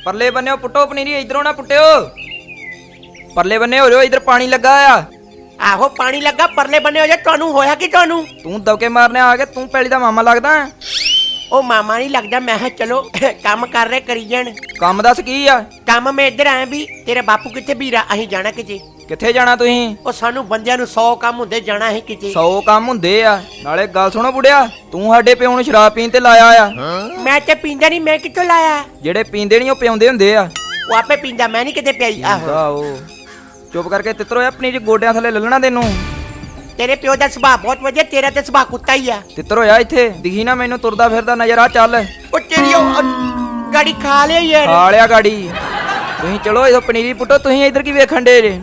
परले बन्ने पुट्टो पनीरी, इधरों ना पुट्टियो। परले बन्ने हो जाओ, इधर पानी लगा आ। आहो पानी लगा, परले बने हो जा। ਤੁਹਾਨੂੰ ਹੋਇਆ ਕੀ ਤੁਹਾਨੂੰ? तू दबके मारने आ गया, तू पहली दा मामा लगदा है। ਉਹ ਮਾਮਾ ਨਹੀਂ ਲੱਗਦਾ, ਮੈਂ ਕਿਹਾ ਚਲੋ ਕੰਮ ਕਰ ਰਹੇ ਕਰੀ ਜਾਣ। काम दस की आ? ਕੰਮ ਮੈਂ ਇੱਧਰ ਆਇਆ ਵੀ ਤੇਰਾ ਬਾਪੂ ਕਿੱਥੇ ਵੀਰਾ? ਅਸੀਂ ਜਾਣਾ ਕਿਤੇ। किथे जाना तुसीं? ਉਹ ਸਾਨੂੰ ਬੰਦਿਆਂ ਨੂੰ 100 ਕੰਮ ਹੁੰਦੇ, ਜਾਣਾ ਅਸੀਂ ਕਿਤੇ। 100 ਕੰਮ ਹੁੰਦੇ ਆ। ਨਾਲੇ ਗੱਲ ਸੁਣੋ ਬੁੜਿਆ, ਤੂੰ ਸਾਡੇ ਪਿਓ ਨੂੰ ਸ਼ਰਾਬ ਪੀਣ ਤੇ ਲਾਇਆ ਆ। ਮੈਂ ਤੇ ਪੀਂਦਾ ਨਹੀਂ, ਮੈਂ ਕਿੱਥੋਂ ਲਾਇਆ? ਜਿਹੜੇ ਪੀਂਦੇ ਨਹੀਂ ਉਹ ਪਿਆਉਂਦੇ ਹੁੰਦੇ ਆ। ਉਹ ਆਪੇ ਪੀਂਦਾ, ਮੈਂ ਨਹੀਂ ਕਿਤੇ ਪਿਆਈ। ਆਹੋ ਆਹੋ ਚੁੱਪ ਕਰਕੇ ਤਿੱਤਰੋ ਆਪਣੀ ਜੀ ਗੋਡਿਆਂ ਥੱਲੇ ਲੱਲਣਾ ਤੈਨੂੰ। ਤੇਰੇ ਪਿਓ ਦਾ ਸੁਭਾਅ ਬਹੁਤ ਵਧੀਆ, ਤੇਰਾ ਤੇ ਸੁਭਾਅ ਕੁੱਤਾ ਹੀ ਆ। ਤਿੱਤਰ ਹੋਇਆ ਇੱਥੇ ਦਿਖੀ ਨਾ ਮੈਨੂੰ ਤੁਰਦਾ ਫਿਰਦਾ ਨਜ਼ਰ ਆ। ਚੱਲ ਉਹ ਤੇਰੀ ਗਾੜੀ ਖਾ ਲਿਆ ਯਾਰ। ਖਾ ਲਿਆ ਗਾੜੀ। ਤੁਸੀਂ ਚਲੋ ਇਹ ਪਨੀਰੀ ਪੁੱਟੋ, ਤੁਸੀਂ ਇੱਧਰ ਕੀ ਵੇਖਣ ਡੇ ਜੇ?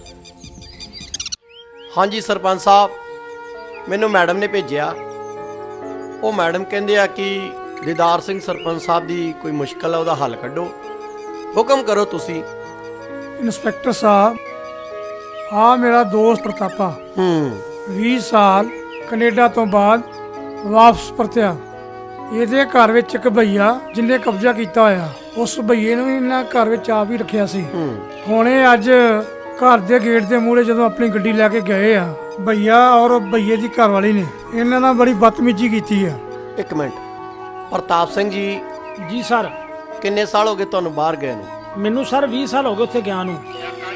ਹਾਂਜੀ ਸਰਪੰਚ ਸਾਹਿਬ, ਮੈਨੂੰ ਮੈਡਮ ਨੇ ਭੇਜਿਆ। ਉਹ ਮੈਡਮ ਕਹਿੰਦੇ ਆ ਕਿ ਦੀਦਾਰ ਸਿੰਘ ਸਰਪੰਚ ਸਾਹਿਬ ਦੀ ਕੋਈ ਮੁਸ਼ਕਲ ਆ, ਉਹਦਾ ਹੱਲ ਕੱਢੋ। ਹੁਕਮ ਕਰੋ ਤੁਸੀਂ। ਇੰਸਪੈਕਟਰ ਸਾਹਿਬ, ਆ ਮੇਰਾ ਦੋਸਤ ਪ੍ਰਤਾਪਾ 20 ਸਾਲ ਕੈਨੇਡਾ ਤੋਂ ਬਾਅਦ ਵਾਪਸ ਪਰਤਿਆ। ਇਹਦੇ ਘਰ ਵਿੱਚ ਇੱਕ ਭਈਆ ਜਿਹਨੇ ਕਬਜ਼ਾ ਕੀਤਾ ਹੋਇਆ, ਉਸ ਭਈਏ ਨੂੰ ਇਹਨਾਂ ਘਰ ਵਿੱਚ ਆਪ ਹੀ ਰੱਖਿਆ ਸੀ। ਹੁਣੇ ਅੱਜ ਘਰ ਦੇ ਗੇਟ ਦੇ ਮੂਹਰੇ ਜਦੋਂ ਆਪਣੀ ਗੱਡੀ ਲੈ ਕੇ ਗਏ ਆ, ਭਈਆ ਔਰ ਭਈਏ ਦੀ ਘਰਵਾਲੀ ਨੇ ਇਹਨਾਂ ਨਾਲ ਬੜੀ ਬਦਤਮੀਜ਼ੀ ਕੀਤੀ ਆ। ਇੱਕ ਮਿੰਟ, ਪ੍ਰਤਾਪ ਸਿੰਘ ਜੀ, ਜੀ ਸਰ। ਕਿੰਨੇ ਸਾਲ ਹੋ ਗਏ ਤੁਹਾਨੂੰ ਬਾਹਰ ਗਏ ਨੂੰ? ਮੈਨੂੰ ਸਰ 20 ਸਾਲ ਹੋ ਗਏ ਉੱਥੇ ਗਿਆ ਨੂੰ।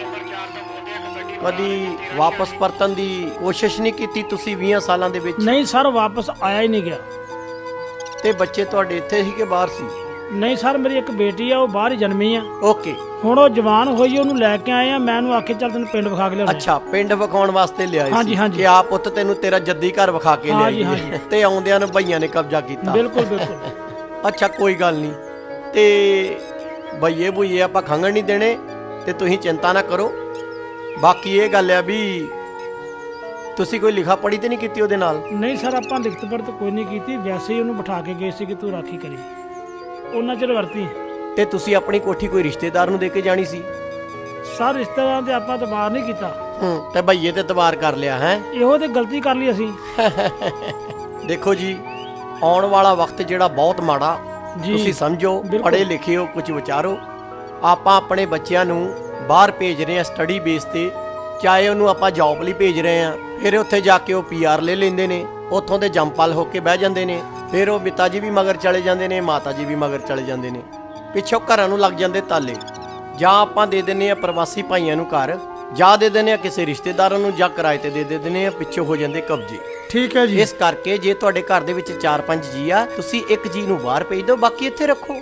ਕਦੀ ਵਾਪਸ ਪਰਤਣ ਦੀ ਕੋਸ਼ਿਸ਼ ਨਹੀਂ ਕੀਤੀ ਤੁਸੀਂ 20 ਸਾਲਾਂ ਦੇ ਵਿੱਚ? ਨਹੀਂ ਸਰ, ਵਾਪਸ ਆਇਆ ਹੀ ਨਹੀਂ ਗਿਆ। ਤੇ ਬੱਚੇ ਤੁਹਾਡੇ ਇੱਥੇ ਸੀ ਕਿ ਬਾਹਰ ਸੀ? ਨਹੀਂ ਸਰ, ਮੇਰੀ ਇੱਕ ਬੇਟੀ ਆ, ਉਹ ਬਾਹਰ ਹੀ ਜਨਮੀ ਆ। ਓਕੇ। ਹੁਣ ਉਹ ਜਵਾਨ ਹੋਈ, ਉਹਨੂੰ ਲੈ ਕੇ ਆਏ ਆ। ਮੈਂ ਉਹਨੂੰ ਆਖੇ ਚੱਲ ਤੈਨੂੰ ਪਿੰਡ ਵਿਖਾ ਕੇ ਲਿਆਉਣਾ। ਅੱਛਾ, ਪਿੰਡ ਵਿਖਾਉਣ ਵਾਸਤੇ ਲਿਆਏ ਹਾਂਜੀ, ਸੀ ਹਾਂਜੀ। ਕਿ ਆ ਪੁੱਤ ਤੈਨੂੰ ਤੇਰਾ ਜੱਦੀ ਘਰ ਵਿਖਾ ਕੇ ਹਾਂਜੀ, ਲਿਆਈਏ। ਹਾਂਜੀ। ਤੇ ਆਉਂਦਿਆਂ ਨੂੰ ਭਈਆਂ ਨੇ ਕਬਜ਼ਾ ਕੀਤਾ। ਬਿਲਕੁਲ ਬਿਲਕੁਲ। ਅੱਛਾ, ਕੋਈ ਗੱਲ ਨਹੀਂ। ਤੇ ਭਈਏ ਭੁਈਏ ਆਪਾਂ ਖੰਗਣ ਨਹੀਂ ਦੇਣੇ, ਤੇ ਤੁਸੀਂ ਚਿੰਤਾ ਨਾ ਕਰੋ। ਬਾਕੀ ਇਹ ਗੱਲ ਆ ਵੀ ਤੁਸੀਂ ਕੋਈ ਲਿਖਾ ਪੜੀ ਤੇ ਨਹੀਂ ਕੀਤੀ ਉਹਦੇ ਨਾਲ? ਨਹੀਂ ਸਰ, ਆਪਾਂ ਲਿਖਤ ਪੜ੍ਹਤ ਕੋਈ ਨਹੀਂ ਕੀਤੀ, ਵੈਸੇ ਹੀ ਉਹਨੂੰ ਬਿਠਾ ਕੇ ਗਏ ਸੀ ਕਿ ਤੂੰ ਰਾਖੀ ਕਰੀ। ਉਹਨਾਂ ਚਿਰ ਵਰਤੀ। ਤੇ ਤੁਸੀਂ ਆਪਣੀ ਕੋਠੀ ਕੋਈ ਰਿਸ਼ਤੇਦਾਰ ਨੂੰ ਦੇ ਕੇ ਜਾਣੀ ਸੀ? ਸਰ ਰਿਸ਼ਤੇਦਾਰਾਂ ਤੇ ਆਪਾਂ ਤਬਾਰ ਨਹੀਂ ਕੀਤਾ। ਤੇ ਭਈਏ ਤੇ ਤਬਾਰ ਕਰ ਲਿਆ ਹੈ। ਇਹੋ ਤੇ ਗਲਤੀ ਕਰ ਲਈ ਅਸੀਂ। ਦੇਖੋ ਜੀ, ਆਉਣ ਵਾਲਾ ਵਕਤ ਜਿਹੜਾ ਬਹੁਤ ਮਾੜਾ, ਜੀ, ਤੁਸੀਂ ਸਮਝੋ, ਬਿਲਕੁਲ। ਪੜ੍ਹੇ ਲਿਖੇ ਹੋ, ਕੁਝ ਵਿਚਾਰੋ। ਆਪਾਂ ਆਪਣੇ ਬੱਚਿਆਂ ਨੂੰ ਬਾਹਰ ਭੇਜ ਰਹੇ ਹਾਂ ਸਟੱਡੀ ਬੇਸ ਤੇ, ਚਾਹੇ ਉਹਨੂੰ ਆਪਾਂ ਜੌਬ ਲਈ ਭੇਜ ਰਹੇ ਹਾਂ, ਫਿਰ ਉੱਥੇ ਜਾ ਕੇ ਉਹ PR ਲੈ ਲੈਂਦੇ ਨੇ, ਉੱਥੋਂ ਦੇ ਜੰਪਲ ਹੋ ਕੇ ਬਹਿ ਜਾਂਦੇ ਨੇ, ਫਿਰ ਉਹ ਪਿਤਾ ਜੀ ਵੀ ਮਗਰ ਚਲੇ ਜਾਂਦੇ ਨੇ, ਮਾਤਾ ਜੀ ਵੀ ਮਗਰ ਚਲੇ ਜਾਂਦੇ ਨੇ, ਪਿੱਛੋਂ ਘਰਾਂ ਨੂੰ ਲੱਗ ਜਾਂਦੇ ਤਾਲੇ। ਜਾਂ ਆਪਾਂ ਦੇ ਦਿੰਦੇ ਆ ਪ੍ਰਵਾਸੀ ਭਾਈਆਂ ਨੂੰ ਘਰ, ਜਾਂ ਦੇ ਦਿੰਦੇ ਆ ਕਿਸੇ ਰਿਸ਼ਤੇਦਾਰਾਂ ਨੂੰ, ਜਾਂ ਕਿਰਾਏ ਤੇ ਦੇ ਦਿੰਦੇ ਆ, ਪਿੱਛੋਂ ਹੋ ਜਾਂਦੇ ਕਬਜ਼ੇ। ਠੀਕ ਹੈ ਜੀ। ਇਸ ਕਰਕੇ ਜੇ ਤੁਹਾਡੇ ਘਰ ਦੇ ਵਿੱਚ 4-5 ਜੀ ਆ, ਤੁਸੀਂ ਇੱਕ ਜੀ ਨੂੰ ਬਾਹਰ ਭੇਜ ਦਿਓ, ਬਾਕੀ ਇੱਥੇ ਰੱਖੋ।